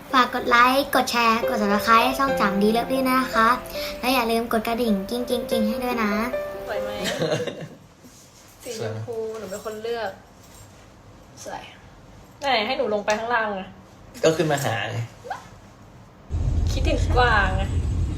ฝากกดไลค์กดแชร์กด subscribe ให้ช่องจังดีเลิฟด้วยนะคะและอย่าลืมกดกระดิ่งกิ้งให้ด้วยนะสวยไหม สีชมพูหนูเป็นคนเลือกสวยไหนให้หนูลงไปข้างล่างอะก็ขึ้นมาหาไงคิดถึงกวางอะ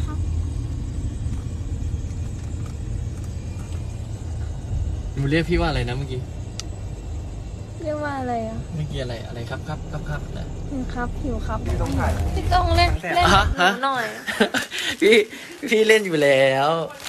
หนูเรียกพี่ว่าอะไรนะเมื่อกี้เรียกว่าอะไรอ่ะเมื่อกี้อะไรครับนะครับหิวครับพี่ต้องเล่นหนูหน่อยพี่เล่นอยู่แล้ว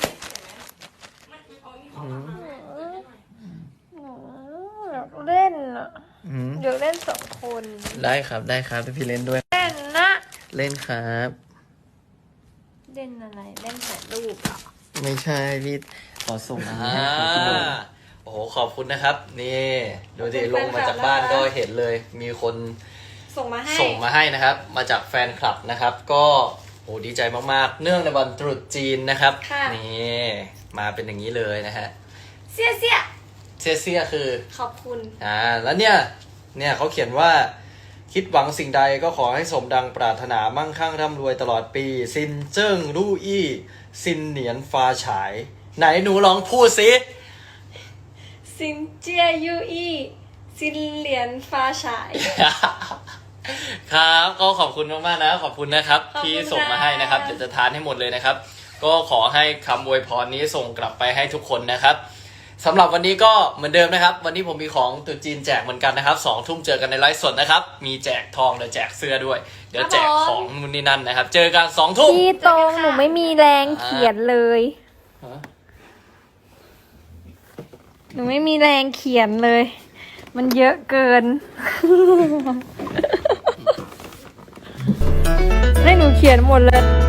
อยากเล่นอ่ะเดี๋ยวเล่น2 คนได้ครับพี่เล่นด้วยเล่นนะเล่นครับเล่นอะไรเล่นถ่ายรูปอ่ะไม่ใช่พี่ขอส่งโอ้โหขอบคุณนะครับนี่ดูดิลงมาจากบ้านก็เห็นเลยมีคนส่งมาให้นะครับมาจากแฟนคลับนะครับก็โอ้ดีใจมากๆเนื่องในวันตรุษจีนนะครับนี่มาเป็นอย่างนี้เลยนะฮะเสียคือขอบคุณแล้วเนี่ยเขาเขียนว่าคิดหวังสิ่งใดก็ขอให้สมดังปรารถนามั่งคั่งร่ำรวยตลอดปีซินเจิ้งลู่อี้ซินเหนียนฟ้าฉายไหนหนูลองพูดสิซินเจียยูอี้ซินเหรียญฟ้าฉายครับก็ขอบคุณมากๆนะขอบคุณนะครับที่ส่งมาให้นะครับเดี๋ยวจะทานให้หมดเลยนะครับก็ขอให้คำอวยพรนี้ส่งกลับไปให้ทุกคนนะครับสำหรับวันนี้ก็เหมือนเดิมนะครับวันนี้ผมมีของตุ๊จีนแจกเหมือนกันนะครับ2 ทุ่มเจอกันในไลฟ์สดนะครับมีแจกทองและแจกเสื้อด้วยเดี๋ยวแจกของนู่นนี่นั่นนะครับเจอกัน2 ทุ่มพี่ตรงหนูไม่มีแรงเขียนเลยหนูไม่มีแรงเขียนเลยมันเยอะเกิน ให้หนูเขียนหมดเลย